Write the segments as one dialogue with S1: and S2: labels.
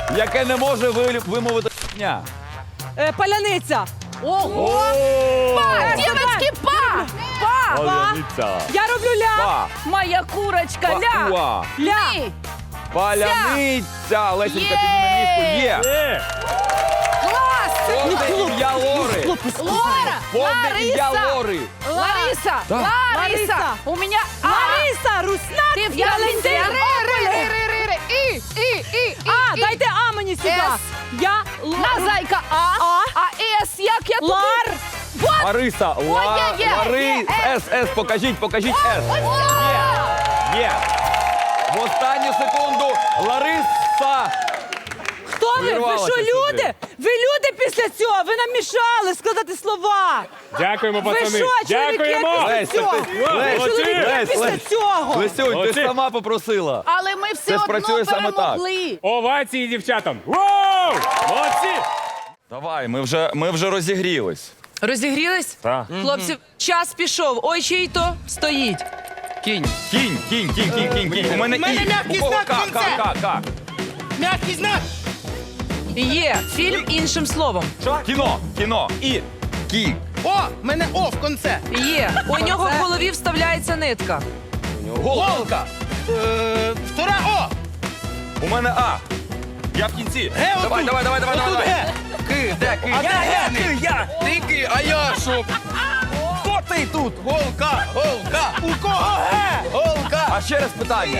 S1: яке не може вимовити «ня».
S2: Паляниця.
S3: Ого! Па! Дівочки, па! Па!
S1: Паляниця.
S2: Я роблю ля.
S1: Па.
S3: Моя курочка, ля!
S1: Па.
S2: Ля.
S3: Ні!
S1: Паляниця. Лесенька, підніме ніжку. Є.
S3: Клас!
S1: Повне ім'я Лори.
S3: Лора!
S1: Повне ім'я
S3: Лариса!
S1: Лори.
S3: Лариса!
S1: Да.
S3: Лариса!
S2: Лариса.
S3: У меня
S2: Лариса, Руснак,
S3: Ти в
S2: Валентин, Ополе.
S3: І.
S2: А, дайте А мені сюди.
S3: С.
S2: Я
S3: На зайка А. А С, як я тут?
S2: Лар.
S3: Вот!
S1: Лариса. Лари. С. Покажіть С. Є. В останню секунду Лариса.
S2: Хто ви? Ви
S1: Вирвалася
S2: що,
S1: сюди.
S2: люди? Ви люди після цього? Ви нам мішали складати слова.
S4: Дякуємо,
S2: Ви
S4: пацани.
S2: що, чоловіки,
S4: Дякуємо.
S2: після
S1: Лесь,
S2: цього?
S1: Лесь,
S2: Чоловіки
S1: Лесь,
S2: після
S1: Лесь.
S2: цього.
S1: Лесюнь, ти
S4: Молодці.
S1: ж сама попросила.
S3: Але ми все
S1: Це ж
S3: одно
S1: працює саме так.
S3: перемогли.
S4: Овації дівчатам. Воу! Молодці.
S1: Давай, ми вже розігрілись.
S5: Розігрілись?
S4: Так.
S5: Хлопці, час пішов. Ой, чий то стоїть.
S1: Кінь. У мене І. У кого К.
S6: Мягкий знак!
S5: Є фільм іншим словом.
S1: Кіно. І. Кі.
S6: О, мене О в конце.
S5: Є. У нього в голові вставляється нитка.
S1: Голка.
S6: Втора О.
S1: У мене А. Я в кінці.
S6: Ге
S1: Давай.
S6: отут. Отут Ге.
S1: Ки, де ки?
S6: А де Ге?
S1: Я.
S6: Ти ки, а я що?
S1: Хто ти тут?
S6: Голка. У кого Ге? Голка.
S1: А ще раз питання.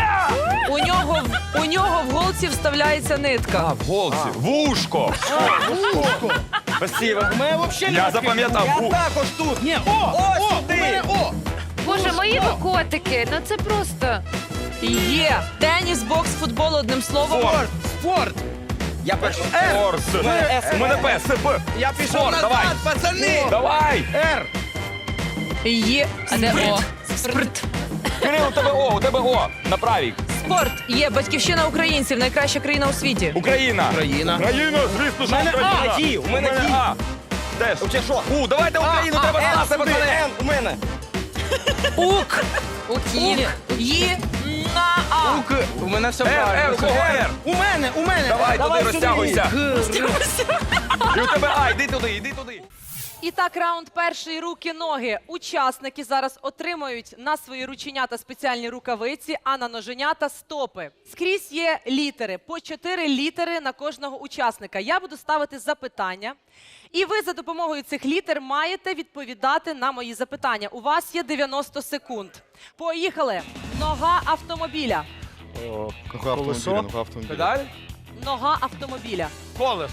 S5: У нього в голці вставляється нитка.
S1: А, в голці. Вушко. Спасибо.
S6: У мене взагалі
S1: Я запам'ятав.
S6: Я також тут. Ні, О, у мене О.
S7: Боже, мої ви котики, ну це просто.
S5: Є. Теніс, бокс, футбол одним словом.
S6: Спорт. Я перший.
S1: Орс. У мене П. П.
S6: Я пішов
S1: Спорт,
S6: назад,
S1: давай.
S6: пацани.
S1: Давай.
S6: Р.
S5: Є. А де О? Спорт.
S1: Кирил, у тебе О. На правій.
S5: Спорт. Є. Батьківщина українців. Найкраща країна у світі.
S1: Україна.
S6: Україна.
S1: Звісно, що
S6: мене
S1: Україна.
S6: А, Ді, у мене Ді.
S1: А. Теж.
S6: Чи що?
S1: Давайте Україну, треба знати, пацани.
S6: Н у мене.
S5: Ук. Укік. Є. На А.
S6: Ук. У мене все
S1: Р, у кого Р?
S6: У мене.
S1: Давай туди,
S6: сюди.
S1: розтягуйся. І у тебе А, йди туди.
S2: І так, раунд перший, руки-ноги. Учасники зараз отримають на свої рученята спеціальні рукавиці, а на ноженята стопи. Скрізь є літери, по 4 літери на кожного учасника. Я буду ставити запитання, і ви за допомогою цих літер маєте відповідати на мої запитання. У вас є 90 секунд. Поїхали. Нога автомобіля.
S6: Колесо.
S1: Педаль?
S2: Нога автомобіля.
S8: Колесо.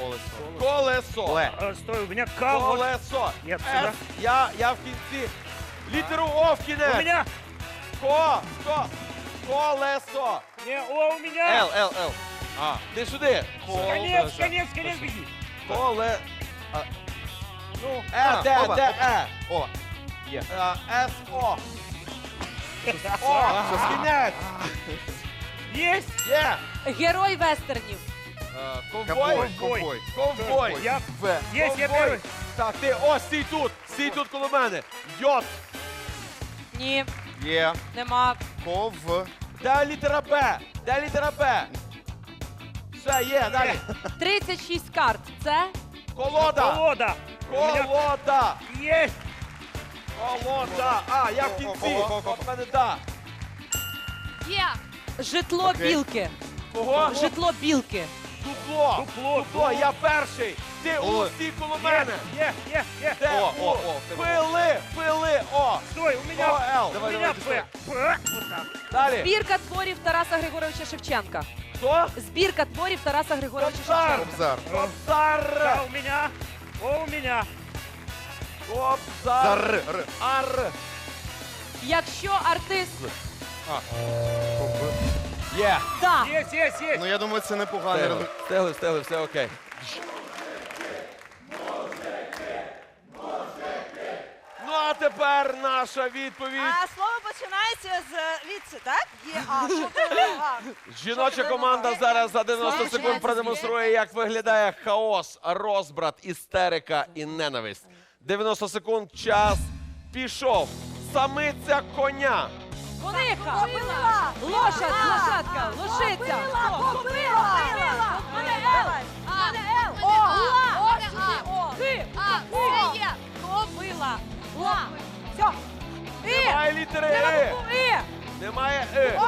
S4: Стой, у меня К. вот.
S8: Колесо.
S4: Нет,
S8: С.
S4: сюда.
S8: Я в кінці. Літеру О в
S4: У
S8: кінець.
S4: меня.
S8: Колесо.
S4: Не, О, у меня.
S8: Л. А, ти сюди.
S4: Конец, беги.
S8: Коле.
S4: Ну,
S8: Де.
S6: О.
S8: С. О. О. Кінець.
S4: есть.
S8: Є.
S2: Герой вестернів.
S8: Ковбой.
S4: Я.
S8: В.
S4: Есть, я
S8: Ковбой.
S4: первый.
S8: Так, ти, о, стій тут коло мене. Йот.
S2: Ні,
S6: Є.
S2: нема.
S6: Ков.
S8: Де літера Б? Все, є, далі.
S2: 36 карт. Це
S8: Колода.
S4: Колода. У меня
S8: Колода.
S4: есть.
S8: Колода. А, я в кінці. От мене да.
S7: Є.
S2: житло білки.
S8: Кого?
S2: Житло білки.
S8: Дупло.
S4: Дупло.
S8: Я перший. Ти усі коло мене.
S4: Є.
S8: Де?
S6: О.
S8: Пили. О.
S4: Стой, у меня.
S8: О, Л.
S4: У меня П. П. Вот так.
S8: Далі.
S2: Збірка творів Тараса Григоровича Шевченка.
S8: Хто?
S2: Збірка творів Тараса Григоровича
S8: Кобзар.
S2: Шевченка.
S8: Кобзар.
S4: Да, у меня. О, у меня.
S8: Кобзар. Ар.
S2: Якщо артист
S8: Є.
S2: да,
S4: Есть.
S6: Ну я думаю, це непоганий результат.
S8: Встигли, все окей. Ну, а тепер наша відповідь.
S9: Слово починається з віці, так? Є А. Що буде А?
S8: Жіноча команда зараз за 90 секунд продемонструє, як виглядає хаос, розбрат, істерика і ненависть. 90 секунд, час пішов. Самиця коня.
S2: Коника.
S9: Кобила.
S2: Лошадка. Лошиця.
S9: Кобила.
S7: Кобила.
S2: Все.
S8: Немає літери «и». Немає «и».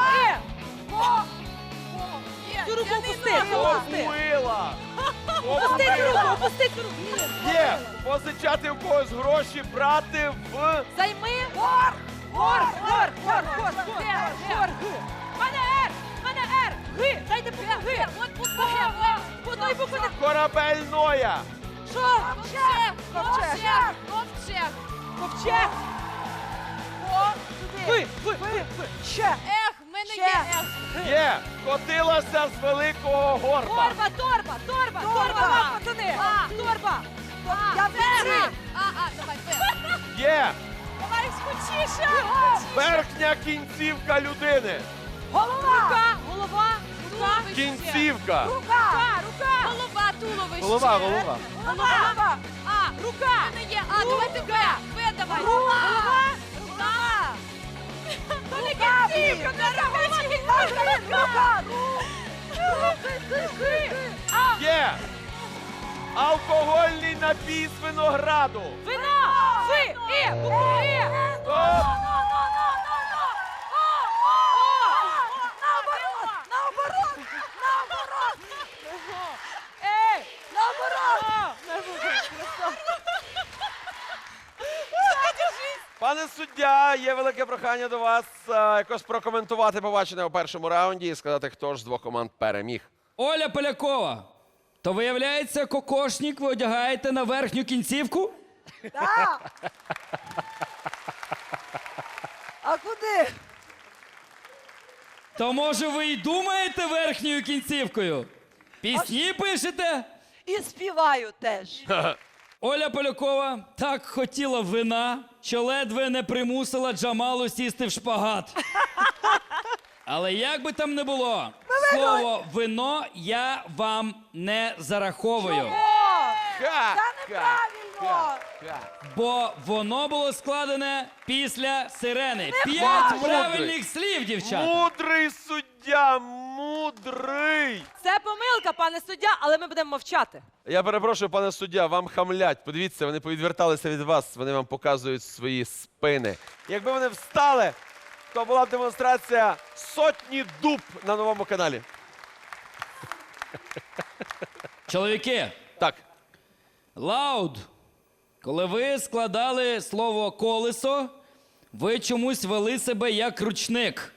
S2: Цю руку опусти.
S8: Кобила.
S2: Опустіть руку, опустіть руку.
S8: Є. Позичати у когось гроші, брати в...
S2: Займи. Гор. Мене Р. Г. Дайте Г. По одної букви не...
S8: Корабельноя.
S2: Що?
S7: Ковчег.
S2: Ковчег. Ви.
S9: Ще.
S7: Ех, в мене є ех.
S8: Є. Котилася з великого горба.
S2: Торба. Пацани. Торба.
S9: Я в кінці.
S7: Давай,
S8: Є.
S9: Давай скучіше.
S8: Верхня кінцівка людини.
S9: Голова.
S2: Голова.
S8: Кінцівка.
S7: Голова, туловище.
S6: Голова.
S9: Голова.
S2: Рука.
S7: В мене є. Давайте Б. Б давай.
S2: Голова.
S9: То не кінцівка.
S8: Є. Алкогольний напій з винограду.
S2: Вино. Буква І.
S8: Стоп. Пане суддя, є велике прохання до вас якось прокоментувати побачене у першому раунді і сказати, хто ж з двох команд переміг.
S10: Оля Полякова, то виявляється, кокошник ви одягаєте на верхню кінцівку?
S9: А куди?
S10: То може ви й думаєте верхньою кінцівкою? Пісні пишете?
S9: І співаю теж.
S10: Оля Полякова так хотіла вина, що ледве не примусила Джамалу сісти в шпагат. Але як би там не було, слово «вино» я вам не зараховую.
S8: Ха!
S9: Це неправильно.
S10: Бо воно було складене після сирени. 5
S8: Мудрий.
S10: правильних слів, дівчата.
S8: Мудрий суддя, мудрий.
S2: Це помилка, пане суддя, але ми будемо мовчати.
S8: Я перепрошую, пане суддя, вам хамлять. Подивіться, вони повідверталися від вас, вони вам показують свої спини. Якби вони встали, то була б демонстрація сотні дуб на новому каналі.
S10: Чоловіки,
S8: Так.
S10: лауд, коли ви складали слово «колесо», ви чомусь вели себе як ручник.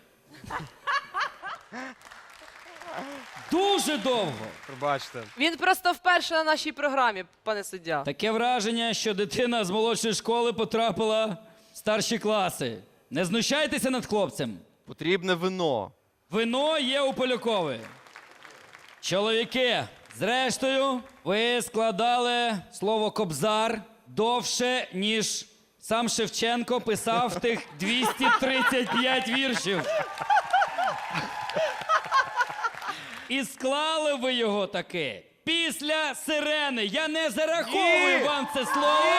S10: Дуже довго.
S6: Пробачте.
S2: Він просто вперше на нашій програмі, пане суддя.
S10: Таке враження, що дитина з молодшої школи потрапила в старші класи. Не знущайтеся над хлопцем.
S6: Потрібне вино.
S10: Вино є у Полякової. Чоловіки, зрештою, ви складали слово «кобзар» довше, ніж сам Шевченко писав тих 235 віршів. І склали ви його таки після сирени. Я не зараховую вам це слово.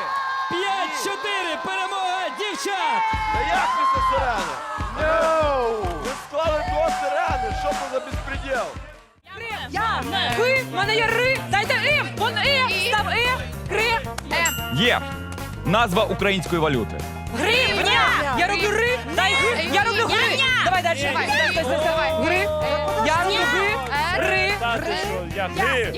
S10: 5-4, перемога дівчат!
S8: Та як після сирени? Ви склали до сирени, що це за безпреділ?
S2: Ви, в мене є ри, дайте ім, вон став гри,
S1: Є. Назва української валюти.
S2: гривня. Я роблю ри, дай гри, я роблю гри. Давай далі. Гри, я роблю ри.
S4: Я гри.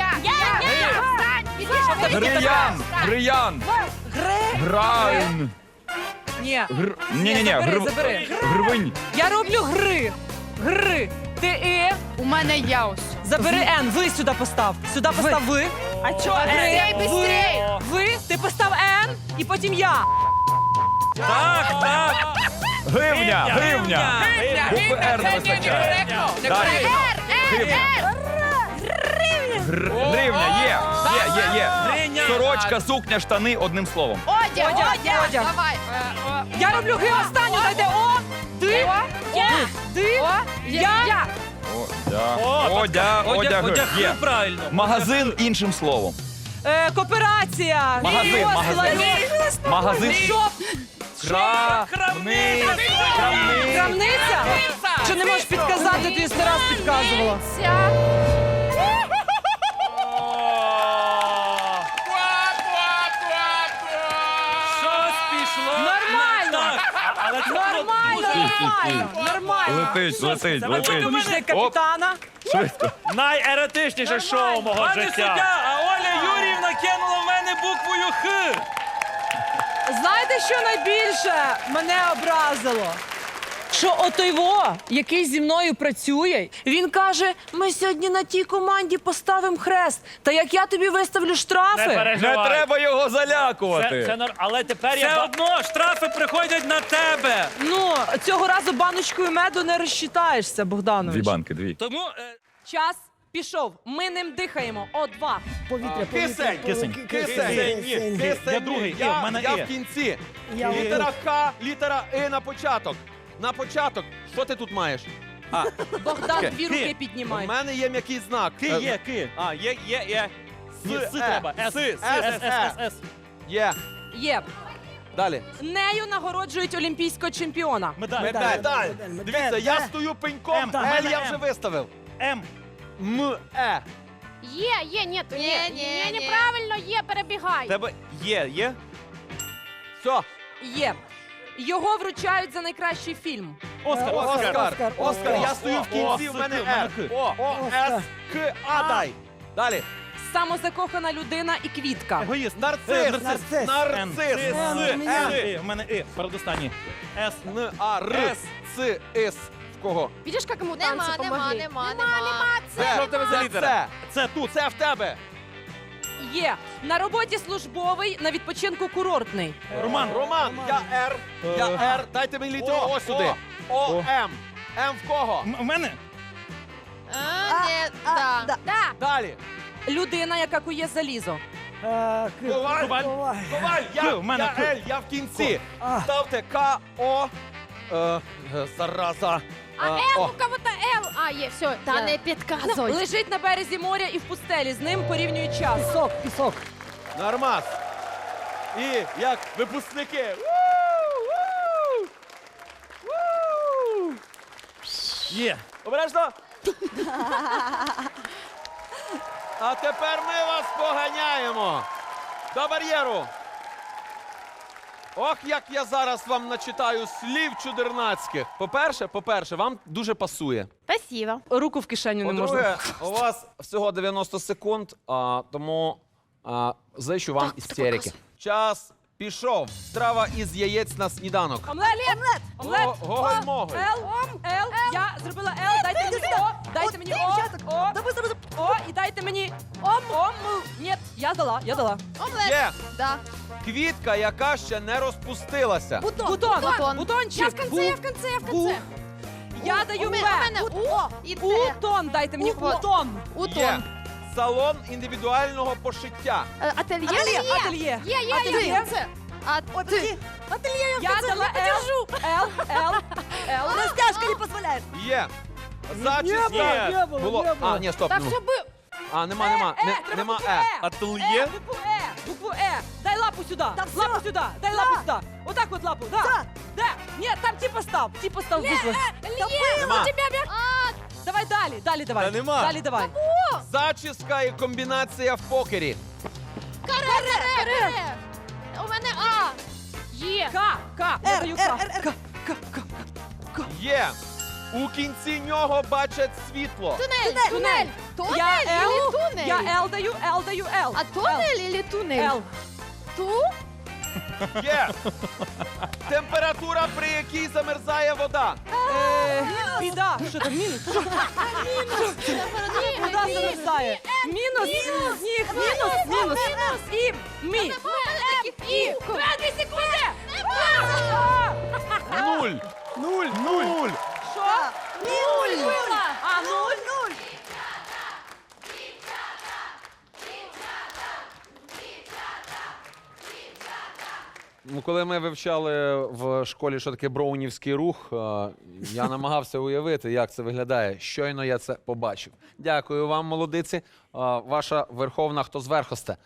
S1: Гриян. Граун.
S2: Ні,
S1: Ні.
S2: забери.
S1: Гривень.
S2: Я роблю гри. Ти
S3: У мене яус.
S2: забери Н, ви сюди постав. Сюди постав ви. А чого
S3: Быстрей, быстрей.
S2: Ви, ти постав Н, і потім я.
S1: Так. Гривня. Букви Р не вистачає. Далі. Гривня. Є. Сорочка, сукня, штани, одним словом.
S3: Одяг.
S2: Давай. Я роблю ги останню, дайте О, ти, я.
S1: Одяг. Є. Магазин іншим словом.
S2: Кооперація.
S1: Магазин.
S2: Шоп.
S1: Крамниця.
S5: що не можеш підказати, тобі 100 раз підказувала.
S6: Щось пішло.
S5: Нормально.
S6: Але це
S5: Нормально.
S1: Летить.
S5: Помічник капітана.
S4: Найеротичніше шоу мого
S6: Пане
S4: життя.
S6: суддя, а Оля Юріївна кинула в мене буквою Х.
S5: Знаєте, що найбільше мене образило? Що отойво, який зі мною працює, він каже, ми сьогодні на тій команді поставимо хрест. Та як я тобі виставлю
S4: Не
S5: штрафи?
S4: переживай.
S1: Не треба його залякувати.
S4: Але тепер
S6: Все одно штрафи приходять на тебе.
S5: Ну, цього разу баночкою меду не розчитаєшся, Богданович.
S6: Тому
S2: Час пішов. Ми ним дихаємо. О2.
S8: Кисень. Кисень.
S6: Я другий,
S8: Я
S6: в мене
S8: я
S6: І.
S8: в кінці. Літера К, літера І на початок. На початок. Що ти тут маєш?
S2: Богдан, дві
S6: Ти.
S2: руки
S8: У
S2: піднімай.
S8: мене є м'який знак.
S6: Ки. А, є.
S8: С
S6: треба. С.
S8: Є.
S2: Є.
S8: Далі.
S2: Нею нагороджують олімпійського чемпіона.
S8: Медаль. Дивіться, я стою пеньком,
S6: М.
S8: Ель я
S6: М.
S8: вже виставив.
S6: М.
S8: М-Е.
S7: Є, ні, неправильно, є, перебігай.
S6: Тебе є.
S8: Все.
S2: Є. Його вручають за найкращий фільм.
S8: Оскар. Я стою в кінці, в мене Р. О, С, К, А дай. Далі.
S2: Самозакохана людина і квітка.
S6: Егоїст.
S8: Нарцис.
S6: Н.
S8: Нарцис.
S6: У мене І. Передостанній. С.
S8: Н, А, Р, Ц, С. В кого?
S7: Видиш, як йому танці помогли? Нема.
S8: Що в тебе за літера?
S6: Це тут.
S8: Це в тебе.
S2: Є. На роботі службовий, на відпочинку курортний.
S6: Роман.
S8: Я Р. Я Р. Дайте мені літеру О сюди. О, М. М в кого?
S6: У мене.
S8: Далі.
S2: Людина, яка кує залізо.
S8: Коваль.
S6: К, в мене К.
S8: Я Л, я в кінці. Ставте К, О. Зараза.
S7: У кого-то Л. А, є, все. Та не підказуй.
S2: Лежить на березі моря і в пустелі. З ним порівнюють час.
S5: Пісок.
S8: Нормас. І як випускники.
S6: Є.
S8: Обережно. А тепер ми вас поганяємо до бар'єру. Ох, як я зараз вам начитаю слів чудернацьких. По-перше, вам дуже пасує.
S7: Спасибо.
S2: Руку в кишеню не можна.
S8: По-друге, у вас всього 90 секунд, тому зичу вам істерики. Час пішов. Страва із яєць на сніданок.
S2: Омлет. Омлет.
S8: Гоголь-моголь.
S2: Л. Я зробила Л. Дайте мені О. Дайте мені О. О. І дайте мені Ом. Ні, я дала.
S7: Омлет.
S8: Є
S7: Да.
S8: квітка, яка ще не розпустилася.
S2: Бутон. Бутончик.
S7: Я в конце.
S2: Я даю
S7: У
S2: Б.
S7: мене О і Т.
S2: Утон. Дайте мені Утон.
S8: Є
S7: Утон.
S8: салон індивідуального пошиття.
S7: Ательє.
S2: Ательє.
S7: Є. Це. А ти.
S2: Я дала Л.
S9: Растяжка не позволяет.
S8: Є зачіска. Було. А, ні, стоп.
S7: Так
S8: ну.
S7: що би...
S8: А, нема. Нема Е.
S6: Ательє.
S2: Букву Е. Дай лапу сюди. Лапу сюди. Дай лапу сюди. Отак от лапу. Да. Де? Ні, там типа став букву.
S8: Нема.
S2: Давай далі давай.
S8: Та нема.
S2: Далі давай.
S8: Зачіска і комбінація в покері.
S7: Каре. У мене А. Є.
S2: К. Я даю К.
S8: Є. У кінці нього бачать світло.
S7: Тунель.
S2: Я
S7: Тунель или
S2: Л.
S7: тунель?
S2: Я Л даю Л.
S7: А тунель или тунель?
S2: Л.
S7: Ту?
S8: Є. Температура, при якій замерзає вода.
S2: Біда. Що там мінус? Вода замерзає. Мінус. Сніг. Мінус. І. Мі. І. 2 секунди.
S8: Нуль.
S2: Що? Нуль. А, 0.
S8: Ну, коли ми вивчали в школі, що таке броунівський рух, я намагався уявити, як це виглядає. Щойно я це побачив. Дякую вам, молодиці. Ваша верховна хто зверхосте.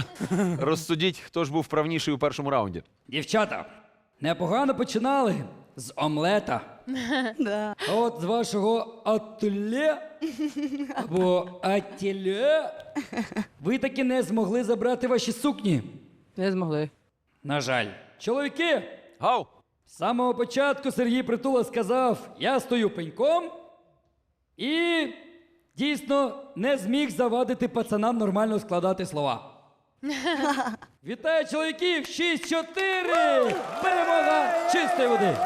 S8: Розсудіть, хто ж був правніший у першому раунді.
S10: Дівчата, непогано починали, з омлета. А от з вашого ательє або ательє ви таки не змогли забрати ваші сукні.
S5: Не змогли.
S10: На жаль. Чоловіки,
S8: Гау!
S10: з самого початку Сергій Притула сказав, я стою пеньком і дійсно не зміг завадити пацанам нормально складати слова. Вітаю чоловіків! 6-4! Перемога чистої води!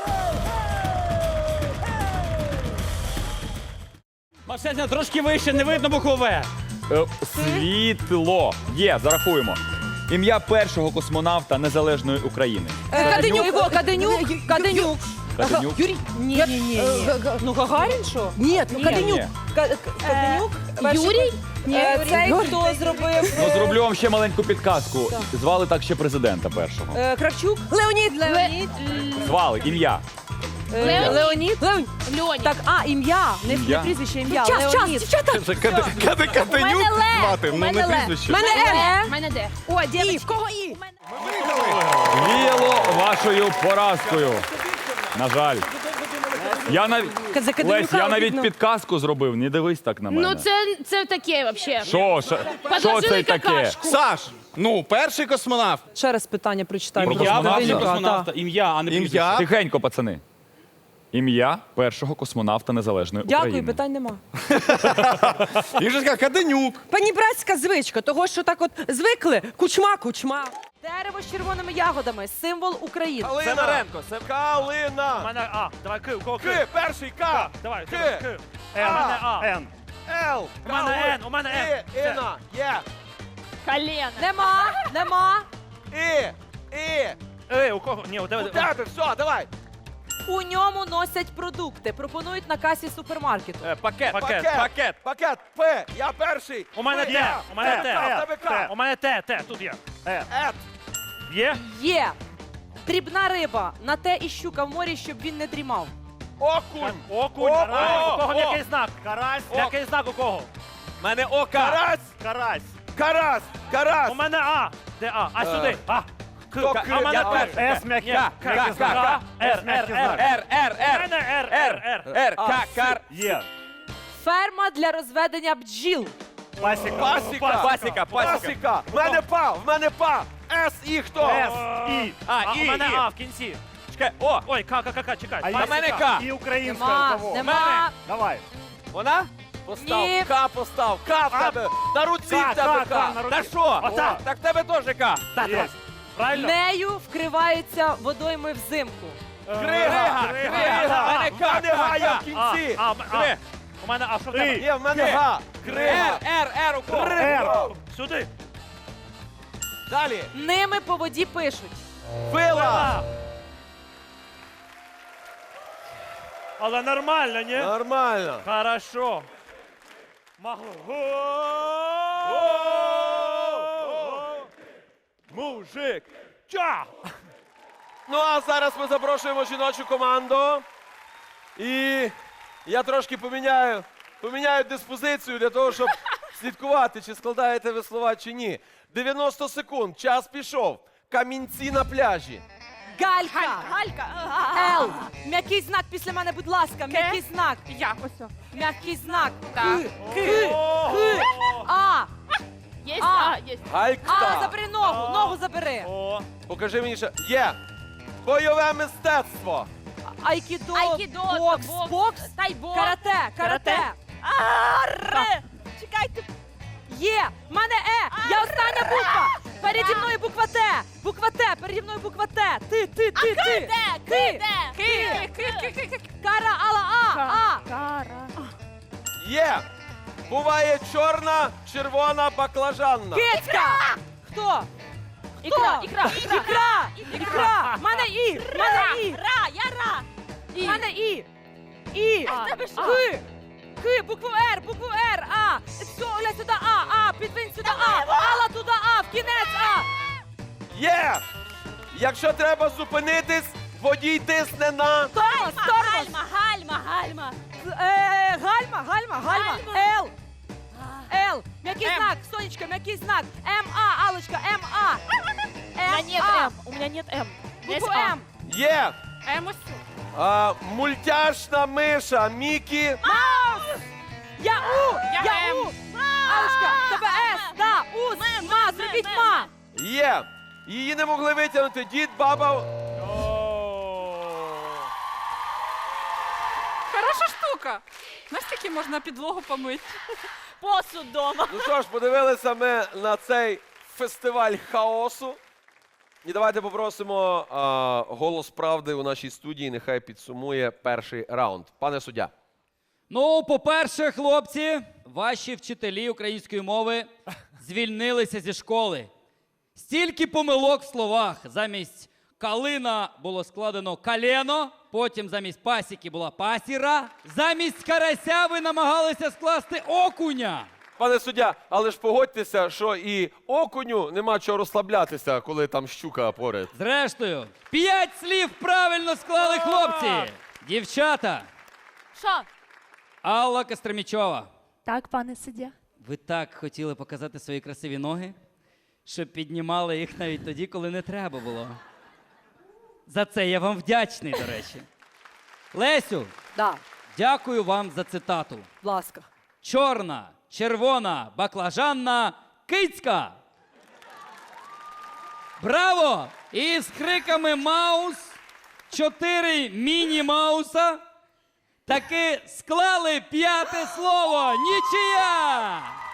S4: Максимся, трошки вище, не видно букву В.
S1: Світло. Є, зарахуємо. Ім'я першого космонавта Незалежної України.
S5: Каденюк. Каденюк.
S1: Каденюк.
S5: Юрій? Ні. Ну, Гагарін що? Ні, Каденюк.
S1: Ні.
S5: Каденюк?
S3: Юрій?
S5: Цей, хто зробив?
S1: Ну, зроблю вам ще маленьку підказку. Звали так ще президента першого.
S5: Кравчук? Леонід.
S1: Звали, ім'я.
S5: Леонід?
S3: Льоні.
S5: Так, ім'я. Не
S1: Ім'я?
S5: прізвище, ім'я.
S3: Час,
S5: Леонід.
S6: Каденюк звати, ну не прізвище.
S3: Мене де?
S9: О, дівчатки, кого і?
S1: Віяло вашою поразкою. На жаль.
S5: За Каденюка
S1: Лесь, я навіть
S5: видно.
S1: підказку зробив, не дивись так на мене.
S3: Ну це таке взагалі.
S1: Що це
S3: Подложили
S1: таке?
S3: какашку.
S6: Саш, ну, перший космонавт.
S5: Ще раз питання прочитаю.
S1: Про
S4: Ім'я
S1: космонавта?
S4: першого
S5: Каденюка,
S4: космонавта. Ім'я, а не прізвище.
S6: Ім'я.
S1: Тихенько, пацани. Ім'я першого космонавта Незалежної
S5: Дякую,
S1: України.
S5: питань нема.
S6: Він же сказав Каденюк.
S5: Панібратська звичка, того, що так от звикли, кучма. Дерево з червоними ягодами, символ України.
S8: Сидоренко, це
S4: У
S8: Калина.
S4: мене А. Давай К, у кого К?
S8: К, перший К.
S4: Давай,
S8: К.
S4: К. Н. У мене А. Н.
S8: Л.
S4: У мене Н, у мене Н. Все.
S8: Іна. Є.
S3: Колено.
S5: Нема.
S4: У кого? Ні, у тебе.
S8: У тебе, все, давай.
S2: У ньому носять продукти. Пропонують на касі супермаркету.
S8: Пакет.
S4: Пакет.
S8: Пакет. П. Я перший.
S4: У мене
S8: П.
S4: Т. У мене
S8: Т. В тебе
S4: Т.
S8: К.
S4: У мене Т. Тут є.
S8: Ет.
S4: Є?
S2: Є. Дрібна риба. На те і щука в морі, щоб він не дрімав.
S8: Окунь.
S4: Окунь.
S8: О,
S4: Карась. У кого
S8: о.
S4: який знак? Карась. Який знак у кого?
S8: Мене ока. Карась.
S4: Карась.
S8: Карась. Карась.
S4: У мене А. Де А? А сюди. А.
S8: Хто К?
S4: А у мене
S8: Я
S4: П.
S8: перший.
S4: С м'який.
S8: К.
S4: Р.
S8: Р.
S4: У мене Р.
S8: Р. К. Кар.
S4: Є.
S2: Ферма для розведення бджіл.
S4: Пасіка.
S8: Пасіка. В мене па. С і хто?
S4: С. І.
S8: А,
S4: У
S8: І,
S4: мене
S8: І.
S4: А в кінці.
S8: Чекай. О.
S4: Ой, К, чекай.
S8: А в мене К.
S4: І українська
S2: Нема.
S4: у кого?
S2: Нема.
S4: Давай.
S8: Вона? Постав.
S2: Ні.
S8: К постав. К в тебе. На руці
S4: К,
S8: в тебе
S4: К,
S8: К.
S4: на руці.
S8: Та що?
S4: Отак.
S8: Так в тебе теж К.
S4: Є. Правильно?
S2: Нею вкриваються водойми взимку.
S8: Крига. В мене К не Га, я в кінці. Кри.
S4: У мене А, що в тебе?
S8: Є, в мене Га. Крига. Р. У кого?
S4: Р. Сюди.
S8: Далі.
S2: Ними по воді пишуть.
S8: Вила.
S4: Але нормально, ні?
S8: Нормально.
S4: Хорошо. Могло.
S8: Мужик.
S4: Ча!
S8: Ну а зараз ми запрошуємо жіночу команду. І я трошки поміняю диспозицію для того, щоб слідкувати, чи складаєте ви слова, чи ні. 90 секунд, час пішов. Камінці на пляжі.
S2: Галька. Л. М'який знак після мене, будь ласка. М'який знак.
S3: Я ось.
S2: М'який знак.
S3: Так.
S2: К. А.
S3: Є,
S2: А.
S3: є.
S8: Галька.
S2: Забери ногу. Ногу забери.
S4: О,
S8: Покажи мені ще. Є. Бойове мистецтво.
S2: Айкідо.
S3: Айкідо,
S2: Бокс.
S3: бокс,
S2: Бокс.
S3: тайбокс.
S2: Карате.
S9: Чекайте.
S2: Є. В мене Е. Я остання буква. Переді мною буква Т. Буква Т. Переді мною буква Т. Ти. Кара, ала, А.
S8: Є. Буває чорна, червона, баклажанна.
S2: Кицька. Хто?
S3: Ікра.
S2: Ікра. В мене І. В мене І.
S3: І.
S2: В мене І. І. К. Букву Р. А. Все, Оля, сюди А. Підвинь сюди А. Алла туди А. В кінець А.
S8: Є. Якщо треба зупинитись, водій тисне на...
S2: Тормоз.
S3: Гальма.
S2: Гальма. Л. М'який знак. Сонечка, м'який знак. М-А. Аллочка, М-А.
S3: У меня нет М. У меня нет М.
S2: Букву М.
S8: Є.
S3: М ось.
S8: Мультяшна миша Мікі.
S2: Я У! Алочка, тебе С, да, ус, ма, зробіть ма.
S8: Є. Її не могли витягнути дід, баба.
S5: Хороша штука. Настільки можна підлогу помити.
S3: Посуд дома.
S8: Ну що ж, подивилися ми на цей фестиваль хаосу. І давайте попросимо голос правди у нашій студії. Нехай підсумує перший раунд. Пане суддя.
S10: Ну, по-перше, хлопці, ваші вчителі української мови звільнилися зі школи. Стільки помилок в словах. Замість калина було складено калено, потім замість пасіки була пасіра, замість карася ви намагалися скласти окуня.
S8: Пане суддя, але ж погодьтеся, що і окуню нема чого розслаблятися, коли там щука поряд.
S10: Зрештою, 5 слів правильно склали хлопці. Дівчата,
S3: Що?
S10: Алла Костромічова.
S3: Так, пане суддя.
S10: Ви так хотіли показати свої красиві ноги, що піднімали їх навіть тоді, коли не треба було. За це я вам вдячний, до речі. Лесю,
S2: Да,
S10: дякую вам за цитату.
S2: будь ласка.
S10: Чорна, червона, баклажанна, кицька. Браво! І з криками Маус 4 міні-мауса таки склали 5-те слово. Нічия!